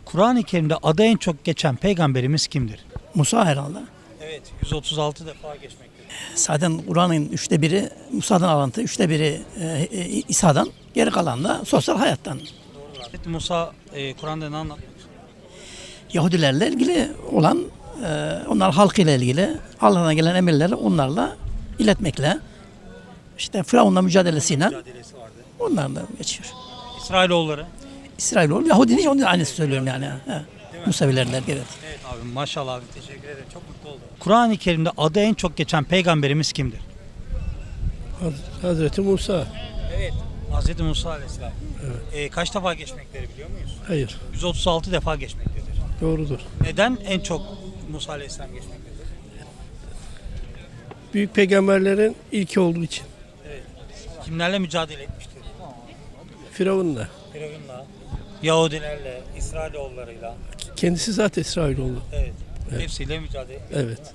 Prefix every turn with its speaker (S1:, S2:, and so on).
S1: Kur'an-ı Kerim'de adı en çok geçen peygamberimiz kimdir?
S2: Musa herhalde.
S1: Evet, 136 defa geçmektedir.
S2: Zaten Kur'an'ın 1/3'i Musa'dan alıntı, 1/3'i İsa'dan, geri kalan da sosyal hayattan.
S1: Hazreti Musa Kur'an'da ne anlatmak istiyor?
S2: Yahudilerle ilgili olan, onlar halkıyla ilgili Allah'tan gelen emirleri onlarla iletmekle, işte Firavun'la mücadelesiyle
S1: Mücadelesi vardı.
S2: onlarla geçiyor.
S1: İsrailoğulları.
S2: İsrailoğlu, Yahudi değil, onun aynısı söylüyorum yani. He. Musevilerler, evet.
S1: Evet abi, maşallah abi, teşekkür ederim, çok mutlu oldum. Kur'an-ı Kerim'de adı en çok geçen peygamberimiz kimdir?
S3: Hazreti Musa.
S1: Evet. Hazreti Musa Aleyhisselam. Kaç defa geçmekleri biliyor muyuz?
S3: Hayır.
S1: 136 defa geçmektedir.
S3: Doğrudur.
S1: Neden en çok Musa Aleyhisselam geçmektedir?
S3: Büyük peygamberlerin ilki olduğu için.
S1: Kimlerle mücadele etmiştir?
S3: Firavun'la.
S1: Firavun'la, Yahudilerle, İsrailoğullarıyla.
S3: Kendisi zaten İsrailoğlu.
S1: Evet. Hepsiyle mücadele etmiş.
S3: Evet.